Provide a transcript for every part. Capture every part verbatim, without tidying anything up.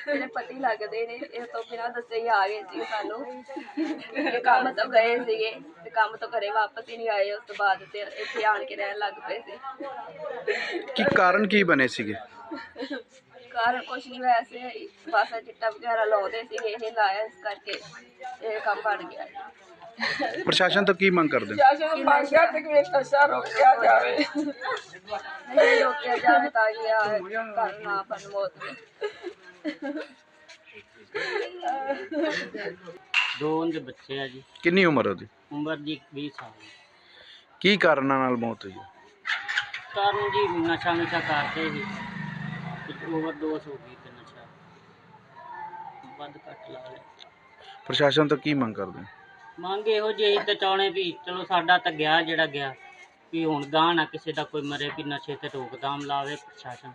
मेरे पति लगते ने इस तो बिना दसे ही आ गए सी सानू ये काम तो गए सीगे ते काम तो घरे वापस ही नहीं आए उस तो बाद ते इत्थे आण के रहन लग पे सी की कारण की बने सीगे कारण कुछ नहीं वैसे बस चिट्टा वगैरह लाते सी ये लाया इस करके ये काम बन गया प्रशासन तो की मंग करते नहीं रोकिया जाए ताकि घर ना बन मौत दो उनके बच्चे है जी। कितनी उम्र होती उम्र जी बीस साल की कारण नाल मौत हुई कारण जी नशा नशा करते ही ओवरडोज हो गई ते नशा बद घट ला लिया। प्रशासन तो की मंग करते ਮੰਗ ਇਹੋ ਜਿਹੀ ਤੇ ਚਾਹੁੰਦੇ ਵੀ ਚਲੋ ਸਾਡਾ ਤਾਂ ਗਿਆ ਜਿਹੜਾ ਗਿਆ ਵੀ ਹੁਣ ਗਾਹ ਨਾ ਕਿਸੇ ਦਾ ਕੋਈ ਮਰੇ ਵੀ ਨਸ਼ੇ ਤੇ ਰੋਕਥਾਮ ਲਾਵੇ ਪ੍ਰਸ਼ਾਸਨ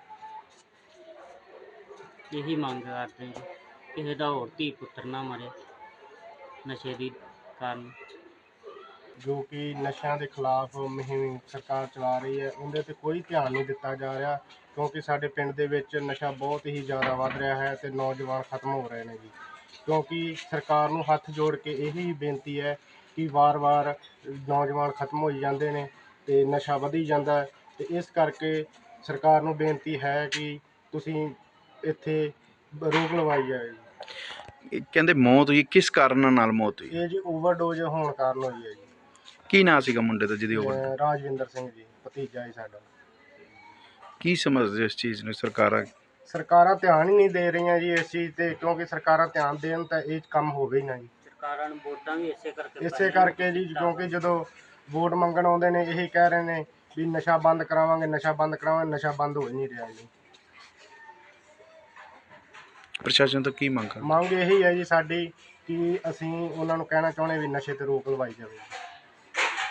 ਇਹੀ ਮੰਗ ਕਰਦੇ ਜੀ ਕਿਸੇ ਦਾ ਹੋਰ ਧੀ ਪੁੱਤਰ ਨਾ ਮਰੇ ਨਸ਼ੇ ਦੀ ਕਾਰਨ ਜੋ ਕਿ ਨਸ਼ਿਆਂ ਦੇ ਖਿਲਾਫ ਮੁਹਿੰਮ ਸਰਕਾਰ ਚਲਾ ਰਹੀ ਹੈ ਉਹਦੇ ਤੇ ਕੋਈ ਧਿਆਨ ਨਹੀਂ ਦਿੱਤਾ ਜਾ ਰਿਹਾ ਕਿਉਂਕਿ ਸਾਡੇ ਪਿੰਡ ਦੇ ਵਿੱਚ ਨਸ਼ਾ ਬਹੁਤ ਹੀ ਜ਼ਿਆਦਾ ਵੱਧ ਰਿਹਾ ਹੈ ਤੇ ਨੌਜਵਾਨ ਖਤਮ ਹੋ ਰਹੇ ਨੇ ਜੀ ਕਿਉਂਕਿ ਸਰਕਾਰ ਨੂੰ ਹੱਥ ਜੋੜ ਕੇ ਇਹੀ ਬੇਨਤੀ ਹੈ ਕਿ ਵਾਰ-ਵਾਰ ਨੌਜਵਾਨ ਖਤਮ ਹੋਈ ਜਾਂਦੇ ਨੇ ਤੇ ਨਸ਼ਾ ਵਧੀ ਜਾਂਦਾ ਤੇ ਇਸ ਕਰਕੇ ਸਰਕਾਰ ਨੂੰ ਬੇਨਤੀ ਹੈ ਕਿ ਤੁਸੀਂ ਇੱਥੇ ਰੋਕ ਲਵਾਈ ਜਾਏ ਜੀ ਕਹਿੰਦੇ ਮੌਤ ਹੋਈ ਕਿਸ ਕਾਰਨ ਨਾਲ ਮੌਤ ਹੋਈ ਇਹ ਜੀ ਓਵਰਡੋਜ਼ ਹੋਣ ਕਾਰਨ ਹੋਈ ਹੈ ਜੀ ਕੀ ਨਾਂ ਸੀਗਾ ਮੁੰਡੇ ਦਾ ਜਿਹਦੀ ਓਵਰ ਅਹ ਰਾਜਵਿੰਦਰ ਸਿੰਘ ਜੀ ਭਤੀਜਾ ਜੀ ਸਾਡਾ ਕੀ ਸਮਝਦੇ ਇਸ ਚੀਜ਼ ਨੂੰ ਸਰਕਾਰਾਂ ਸਰਕਾਰਾਂ ਧਿਆਨ ਹੀ ਨਹੀਂ ਦੇ ਰਹੀਆਂ ਜੀ ਇਸ ਚੀਜ਼ ਤੇ ਕਿਉਂਕਿ ਸਰਕਾਰਾਂ ਧਿਆਨ ਦੇਣ ਤਾਂ ਇਹ ਕੰਮ ਹੋਵੇ ਹੀ ਨਾ ਜੀ ਸਰਕਾਰਾਂ ਨੂੰ ਵੋਟਾਂ ਵੀ ਇਸੇ ਕਰਕੇ ਇਸੇ ਕਰਕੇ ਜੀ ਕਿਉਂਕਿ ਜਦੋਂ ਵੋਟ ਮੰਗਣ ਆਉਂਦੇ ਨੇ ਇਹੀ ਕਹਿ ਰਹੇ ਨੇ ਵੀ ਨਸ਼ਾ ਬੰਦ ਕਰਾਵਾਂਗੇ ਨਸ਼ਾ ਬੰਦ ਕਰਾਵਾਂਗੇ ਨਸ਼ਾ ਬੰਦ ਹੋ ਹੀ ਨਹੀਂ ਰਿਹਾ ਜੀ ਪ੍ਰਸ਼ਾਸਨ ਤੋਂ ਕੀ ਮੰਗ ਮੰਗ ਇਹੀ ਹੈ ਜੀ ਸਾਡੀ ਕਿ ਅਸੀਂ ਉਹਨਾਂ ਨੂੰ ਕਹਿਣਾ ਚਾਹੁੰਦੇ ਵੀ ਨਸ਼ੇ ਤੇ ਰੋਕ ਲਵਾਈ ਜਾਵੇ।